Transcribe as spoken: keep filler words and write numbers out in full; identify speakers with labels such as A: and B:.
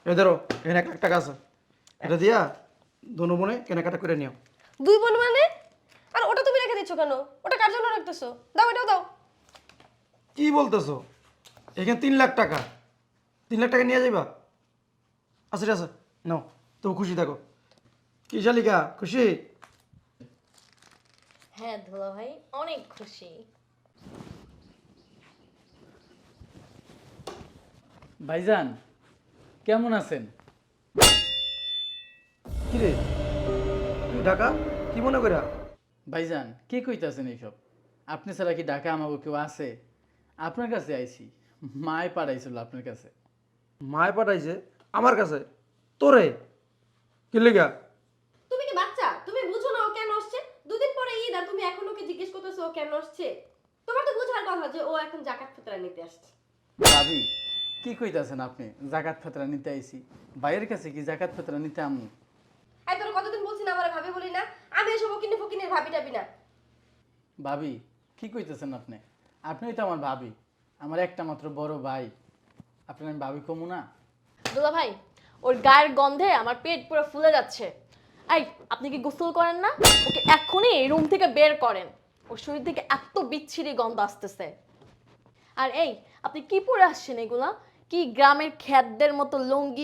A: এই ধরো এখানে এক লাখ টাকা আছে, এটা দিয়া দোনো বোনে কেনাকাটা করে নিও।
B: দুই বোন মানে? আর ওটা তুমি রেখে দিচ্ছ কেন? ওটা কার জন্য রাখতেছো? দাও, এটাও দাও।
A: কি বলতেছো? এখানে তিন লাখ টাকা, তিন লাখ টাকা নিয়ে যাইবা? আচ্ছা ঠিক আছে, নাও, তো খুশি থাকো। কি শালিকা খুশি?
C: হ্যাঁ দুলা ভাই, অনেক খুশি।
D: ভাইজান কেমন আছেন?
A: কি রে তুই ঢাকা কি মনে করা?
D: ভাইজান কি কইতাছেন এইসব? আপনি ছাড়া কি ঢাকা আমাকে কেউ আছে? আপনার কাছে আইছি, মায় পাঠাইছিল আপনার কাছে।
A: মায় পাঠাইছে আমার কাছে? তোরে কি লেগা?
B: তুমি কি বাচ্চা? তুমি বুঝো না ও কেন আসছে? দুদিন পরে ঈদ আর তুমি এখন ওকে জিজ্ঞেস করতেছো ও কেন আসছে? তোমার তো বুঝার কথা যে ও এখন জাকাত ফিতরা নিতে আসছে।
D: ভাবি কি কইতাছেন আপনি? জাকাত ফেতরা নিতে আইছি? ভাইয়ের কাছে কি জাকাত ফেতরা নিতে আমু?
B: এই তোর কতদিন বলছি না আমার ভাবি বলি না? আমি এসব ওকিনে ফকিনের ভাবি টাবি না।
D: ভাবি কি কইতেছেন আপনি? আপনিই তো আমার ভাবি, আমার একটা মাত্র বড় ভাই, আপনার আমি ভাবি কমু না?
C: দুলা ভাই, ওর গায়ের গন্ধে আমার পেট পুরো ফুলে যাচ্ছে। এই, আপনি কি গোসল করেন না? ওকে এক্ষুনি রুম থেকে বের করেন। ওর শরীর থেকে এত বিচ্ছিরি গন্ধ আসতেছে। আর এই, আপনি কি পরে আসছেন এগুলা? কি গ্রামের খ্যাতদের মতো লুঙ্গি